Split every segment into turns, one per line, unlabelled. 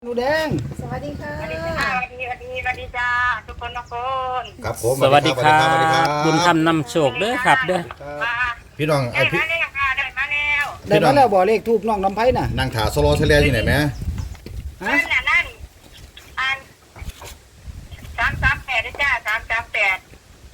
หนูแดง
สวัสดีค่ะ
สวัสดีค่ะสวัสดีจ้าทุกคนทุกคน
ครับผม
สวัสดีครับ
สวัสดีครับ
บุญธรรมนำโชคเด้อครับเด้อ
มา
พี่น้อง
ได้มาแล้วค่ะได้มาแล้ว
ได้มาแล้วบ่เลขทูบน้องลำไผ่น่ะ
นั่งถาโซโลเซเลอยู่ไหนไหม
ฮะ
นั่นอัน338ด้วยจ้า338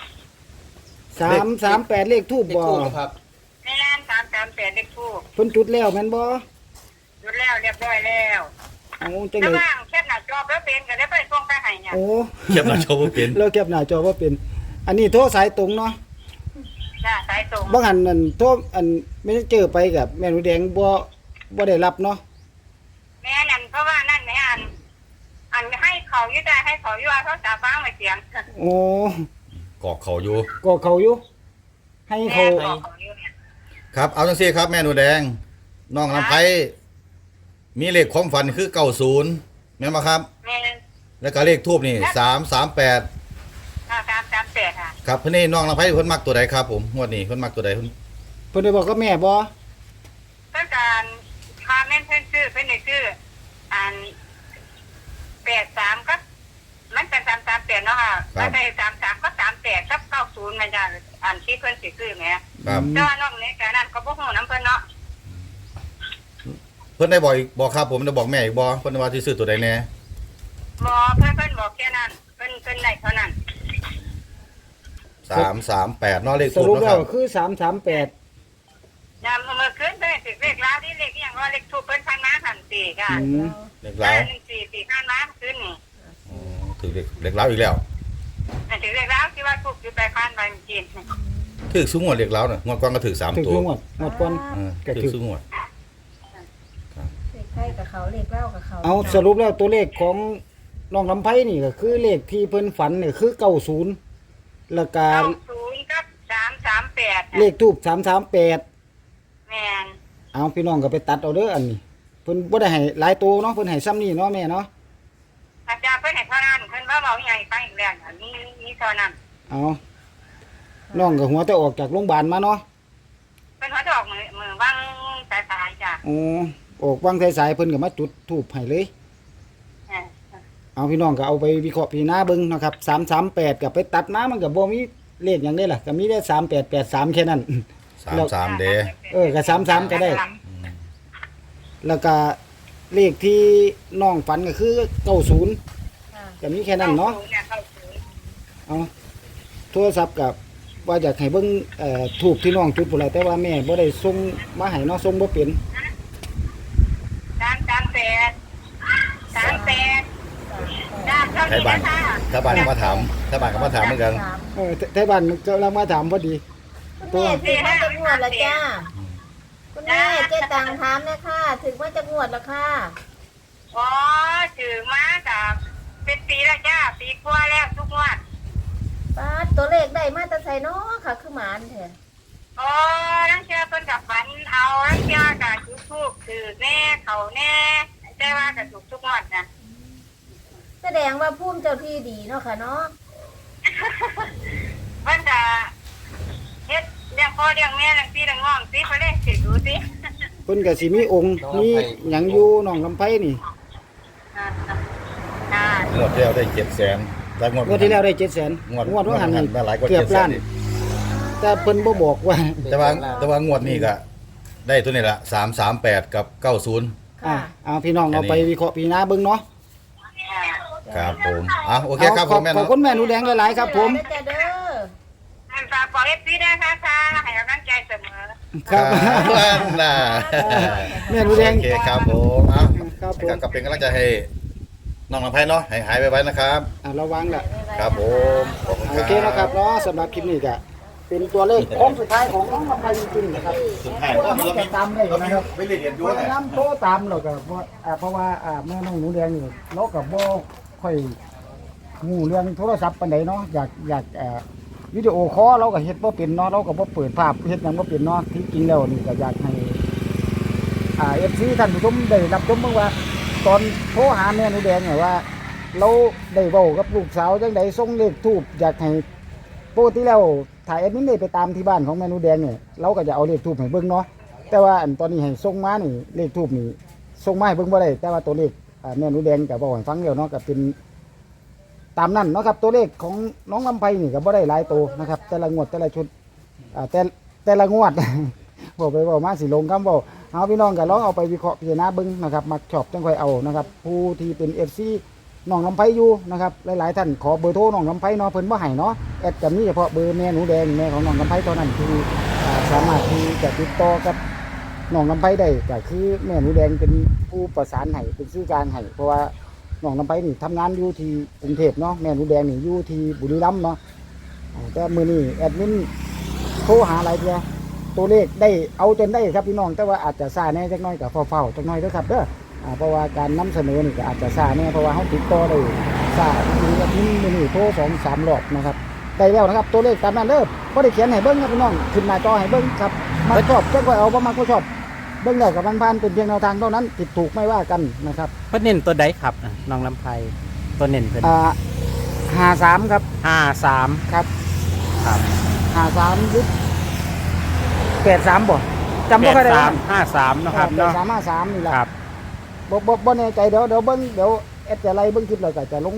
338เลขทูบบ่
ในร้าน338เลขทูบ
เพิ่นจุดแล้วแม่นบ่
หยุดแล้วเรียบร้อยแล้ว
เอาจัง
ระ
ได๋
ว่างแค่หน้าจอแล้วเป็นก็ได้ไปส่งไปให้เนี่ย
โอ้
เขียบหน้าโชว์บ่เป็น
เราเก็บหน้าจอบ่เป็น อันนี้โทรสายตรงเนาะ
จ้าสายตรง
บ่หันนั่นโทรอันไม่ได้เจอไปกับแม่หนูแดงบ่ได้รับเนาะ
แม่นั่นเพราะว่านั่นแม่อันให้เขาอยู่ได้ให้เขาอยู่ว่าเขาจะฟังไว้เสียง
โอ้
กอกเขาอยู่
ก็เขาอยู่ ให้
แม่
เขา
บอกเขาอยู่เนี่ย
ครับเอาจังซี่ครับแม่หนูแดงน้องลำไพมีเลขความฝันคือ90แม่นบ่ครับ
แม่
แล้วก็เลขทูบนี่338
338ค่ะ
ครับเพิ่นนี่น้องลำไพเพิ่นมักตัวใดครับผมงวดนี้เพิ่นมักตัวใดเพิ่น
เพิ่นได้บอกกับแม่บ่
ต้องการพาแม่นเพิ่นซื้อเพิ่นได้ซื้ออัน83ก็มันเป็น338เนาะค่ะมันได้33ก็38กับ90มันจะอันที่เพิ่นสิซื้อแหม
ครับ
แต่ว่านอกนี้ก็นั่นก็บ่ฮู้นำเพิ่นเนาะ
เพิ่นได้บอกอีกบอกครับผมได้บอกแม่อีกบ่เพิ่นว่าสิซื้อตัวใดแน่
บ่เพิ่นบอกแค่นั้นเพิ่นได้เท่านั้น
338เนาะเลข
ส
ทูบ
รุป
เนาะ
แล้
คว รับ
คือ338
ยามเมื่อคืนเพิ่นสิเลขลาวที่เลขอีหยังว่าเลขทูปเพิ่นพันมาทันทีค่ะ
เลขลาว
14ปีพันมาคืนนี่
อ๋อถือเลขลาวอีกแล้ว
อันถึงเลขลาวที่ว่าทูปอยู่ไปพันไปจริง
ถือสูงงวดเลขลาวน่ะงวดก่อนก็ถือ
ถึ
3
ง
ตัว
งวดก่อน ก็
ถื
ถื
อ
อ
สูงงวด
เลขไทยกับเขาเลขเล่ากับเขา
เอาสรุปแล้วตัวเลขของน้องลำไผ่นี่ก็คือเลขที่เพิ่นฝันนี่คือ90แล้วก็
90กับ338
เลขทูบ338
แม่น
เอาพี่น้องก็ไปตัดเอาเด้ออันนี้เพิ่นบ่ได้ให้หลายตัวเนาะเพิ่นให้ซ้ำนี่เนาะแม่เนาะ
อาจารย์เพิ่นให้เท่านั้นเพิ่นว่าเว้าใหญ่ไปอีกแล้วอันนี้เท่านั้น
เอาน้องก็หัวแต่ออกจากโรงพยาบาลมาเนาะ
เพิ่นเขาจะออกมือวางสายๆจ้ะ
อ๋อออกวางสายๆเพิ่นก็มาจุดธูปให้เลย
เออ
เอาพี่น้องก็เอาไปวิเคราะห์พิจารณาเบิ่งนะครับ338ก็ไปตัดมามันก็บ่มีเลขหยังได้ล่ะก็มีแต่3883แค่นั้น
33เด้
ก็33ก็ได้ แล้วก็เลขที่น้องฝันก็คือ90
ค่ะ
ก็มีแค่นั้นเนาะ เอาโทรศัพท์กับว่าอยากให้เบิ่งถูกที่น้องจุดพุ่นล่ะแต่ว่าแม่บ่ได้ส่งมาให้เนาะส่งบ่เป็น
338จ้าเท่า
ไทย
นี้
บ้าน
นะคะ
ถ้าบ้านก็มาถามถ้าบ้านก็มาถามเหมือนกัน
ไทบ้านกำลังมาถามพอดี
คุณแม่ถึงว่าจะงวดละจ้าคุณแม่เจ๊ตังถามเลยค่ะถึงว่าจะงวดละค่ะ
อ๋อถือมากับเป็นปีแล้วจ้าปีกว่าแล้วทุกงวด
ป้าดตัวเลขได้มาแต่ใส่เนาะค่ะ คือหมานแท้
อ๋อนังเชื่อเพิ่นกับฝันเอานังเชื่อกับทุกทุกถือแน่เขาแน่แต่ว่ากับทุกงวดนะ
แสดงว่าภูมิเจ้าที่ดีเนาะค่ะเนาะ
เพิ่นจะเฮ็ดเลี้ยงพ่อเลี้ยงแม่เลี้ยงพี่เลี้ยงน้องสิไปเลยสิดูสิ
เพิ่นก็สิมีองค์มีหยังอยู่น้องลำไผนี่
อ่าง
วดที่แล้วได้700,000แล้วงวด
งวดที่แล้วได้700,000
งวด
ว่าหันนี่
ได้หลายกว่า
เกือบล้าน
700,000อีก
แต่เพิ่นบ่บอกว่า
แต่ว่างวดนี้ก็ได้ตัวนี้ละ338กับ90
เอาพี่น้องเอาไปวิเคราะห์พิจารณาเบิ่งเนาะ
ครับผมโอเคครับผมแม่
ขอบ
เนาะ
คุณแม่หนูแดงหลายๆครับผม
เด้อจ้าเด้อ
ฝากบอกFCได้ค่ะให้กำลังใจเสมอ
ครับ
น่ะ
แม่หนูแดง
โอเคครับผม
ครับผม
ก็เป็นกำลังใจให้น้องลำไพเนาะให้หายไปนะครับ
ระวังล่ะ
ครับผมขอบคุณ
โอเคนะครับเนาะสำหรับคลิปนี้ก็เป็นตัวเลขโค้งสุดท้ายของน้องลำไพจริงๆนะครับ
สุดท้าย
เพราะว่ามันจะตามได้นะครับ
ไม่ได้เรียนด้
เพ
วย
ราะน้ำโตตามเราก็เพราะว่าแม่น้องหนูแดงนี่เราก็บ่ค่อยงูเรื่องโทรศัพท์ปานใดเนาะอยากวิดีโอคอลเราก็เฮ็ดบ่เป็นเนาะเราก็บ่เปิดภาพเฮ็ดหยังบ่เป็นเนาะที่จริงแล้วนี่ก็อยากให้FC ท่านผู้ชมได้รับชมบ้างว่า ตอนโทรหาแม่หนูแดงเนี่ยว่า เราได้เว้ากับลูกสาวจังไดส่งเลขทูปอยากให้ปกติแล้วถ้าแอดมินได้ไปตามที่บ้านของแม่หนูแดงเนี่ยเราก็จะเอาเลขทูปให้เบิ่งเนาะแต่ว่าอันตอนนี้ให้ส่งมานี่เลขทูปนี่ส่งมาให้เบิ่งบ่ได้แต่ว่าตัวเลขแม่หนูแดงก็บอกให้ฟังเดียวเนาะก็เป็นตามนั้นเนาะครับตัวเลขของน้องลำไพนี่ก็บ่ได้หลายตัวนะครับแต่ละงวดแต่ละชุดแต่ละงวด บอกไปบอกมาสิลงคำบอกเอาพี่น้องก็ลองเอาไปวิเคราะห์พิจารณาเบิ่งนะครับมักชอบจังค่อยเอานะครับผู้ที่เป็น FC น้องลำไพอยู่นะครับหลายๆท่านขอเบอร์โทรน้องลำไพเนาะเพิ่นบ่ให้เนาะแอดก็มีเฉพาะเบอร์แม่หนูแดงแม่ของน้องลำไพเท่านั้นที่สามารถที่จะติดต่อกับน้องลำไพได้ก็คือแม่หนูแดงเป็นผู้ประสานให้เป็นสื่อกลางให้เพราะว่าน้องลำไพนี่ทำงานอยู่ที่กรุงเทพเนาะแม่หนูแดงนี่อยู่ที่บุรีรัมย์เนาะแต่มื้อนี้แอดมินโทรหาหลายเทื่อตัวเลขได้เอาจนได้ครับพี่น้องแต่ว่าอาจจะซ่าแน่จักหน่อยกับเฝ้าๆจักหน่อยเด้อครับเด้อเพราะว่าการนำเสนอนี่ก็อาจจะซ่าแน่เพราะว่าเขาติดต่อได้ซ่าทีละทีมื้อนี้โทร2-3 รอบนะครับได้แล้วนะครับตัวเลขตามนั้นเด้อบ่ได้เขียนให้เบิ่งครับพี่น้องขึ้นหน้าจอให้เบิ่งครับมักชอบจักว่าเอาบ่มักก็ชอบเบิ่งแล้วกับผ่านๆเป็นเพียงแนวทางเท่านั้นผิดถูกไม่ว่ากันนะครับ
เพิ่นเน้นตัวใดครับน้องลำไพตัวเน้นเพิ่น
53ครับ
53
ครับ
ครับ
53ยุด83บ่จำบ่ค่อยได้ว่า
53เนาะครับเนาะ
8353นี่แหละ
ครับ
บ่แน่ใจเดี๋ยวเบิ่งเดี๋ยวแอดจะไล่เบิ่งคลิปแล้วก็จะลง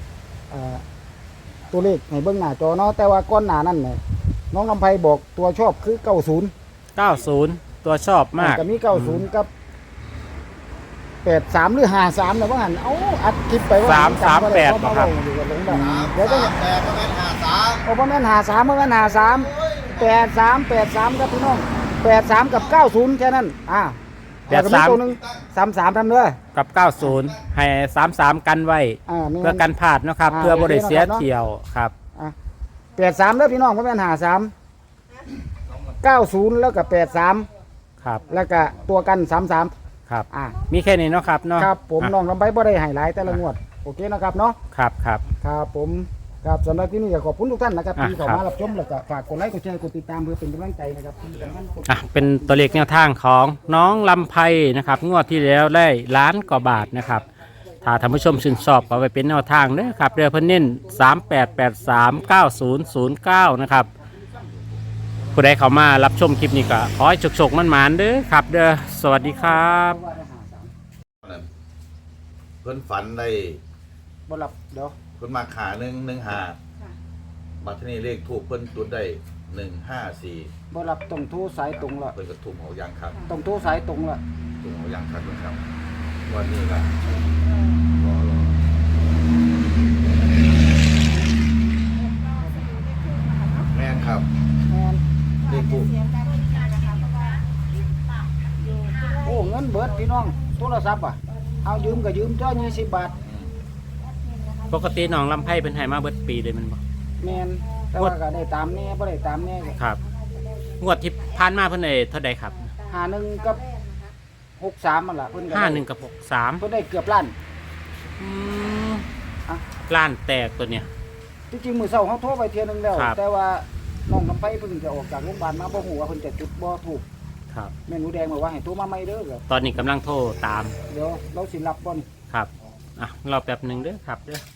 ตัวเลขให้เบิ่งหน้าจอเนาะแต่ว่าก่อนหน้านั้นเนี่ยน้องลำไพบอกตัวชอบคือ90
90 ตัวชอบมาก
ก็มี90กับ83หรือ53น่ะว่าหั่นเอ้าอัดคลิปไปว่า
338
บ่
ครับ
เดี๋ยวลงได้เดี๋ยวจะ
38ประมาณ53
โอ้บ่แม่น53บ่แม่น53 83ครับพี่น้อง83กับ90แค่นั้นแล้วก็มีตัวหนึง33ทำเด้อ
กับ 90 ให้ 33 กันไว้
แม่น
เพื่อกันพลาดเนาะครับ เพื่อบ่ได้เสียเที่ยวครับ
83เด้อพี่น้องบ่แม่น53 90แล้วก็83
ครับ
แล้วก็ตัวกัน33
ครับ
อ่า
มีแค่นี้เนาะครับเนาะ
ครับผมน้องลำไบบ่ได้ให้หลายแต่ละงวดโอเคนะครับเนาะ
ครับครับ
ครับผมครับสำหรับที่นี่ก็ขอบคุณทุกท่านนะครับที่เข้า
ครับ
มารับชมแล้วก็ฝากกดไลค์กดแชร์กดติดตามเพื่อเป็นกำลังใจนะครับที่สำคัญกด
เป็นตัวเลขแนวทางของน้องลำไพนะครับงวดที่แล้วได้ล้านกว่าบาทนะครับถ้าท่านผู้ชมชื่นชอบเอาไปเป็นแนวทางเด้อครับเรือเพิ่นเน้น38839009นะครับผู้ใดเข้ามารับชมคลิปนี้ก็ขอให้ฉกๆมันหมานๆเด้อครับเด้อสวัสดีครับ
เพิ่นฝันได้
บ่หลับเดี๋ยว
เพิ่นมาขา115บัดทีนี้เลขถูกเพิ่นจุดได้154
บ่หลับต้องโทรสายตรงละ
เพิ่นก็ถูกเอาอย่างครับ
ต้องโทรสายตรงละ
ถูกเอาอย่างครับนะครับวันนี้ก็รอแม่นครับ
แม่น
เลขถูก
โอ้เงินเบิดพี่น้องโทรศัพท์เอายืมก็ยืมจ้อ20 บาท
ปกติน้องลำไพเป็นไห้มาเบิดปีเลยแมันบ่
แม่นแต่ว่าก็ได้ตามแน่บ่ได้ตามแน่ก็
ครับงวดที่ผ่านมาเพิ่นได้เท่าใดครับ
51กับ63นั่นล่ะเพิ่นก็ได้
51กับ63
เพิ่นได้เกือบล้าน
อืม
อ่ะ
ล้านแตกตัวเนี้ย
ที่จริงมื้อเช้าเฮาโทรไปเที่ยนึงแล้ว
ครับ
แต่ว่าน้องลำไผเพิ่งจะออกจากโรงพยาบาลมาบ่ฮู้ว่าเพิ่นจะจุดบ่ถูก
ครับ
แม่หนูแดงบอกว่าให้โทรมาใหม่เด้อครับ
ตอนนี้กำลังโทรตาม
เดี๋ยวเราสิรับบ่น
ครับรอแป๊บหนึ่งเด้อครับเด้อ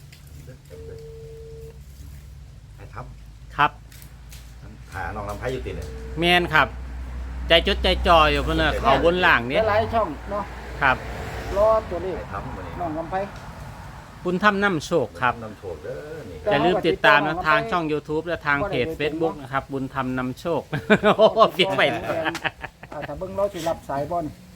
ให้ทับ
ครับ
หาน้องลำไผอยู่ติเนี่ย
แมนครับ ใจจดใจจ่ออยู่เพิ่นน่ะเขาบนหลัง
เดี๋
เนี้
ย
ยว
หลายช่องเนาะ
ครับ
รอตัวเลข
ให้ทับวันนี้
น้องลำไผ
บุญทำน้ำโชคครับ
นำโชคเด้อนี่
อย่าลืมติดตามนะทางช่อง YouTube และทางเพจ Facebook นะครับ บุญทำนำโชค โอ้โหเปลี่ยนไป
ถ้าเบิ่งเราสิรับสายบ่น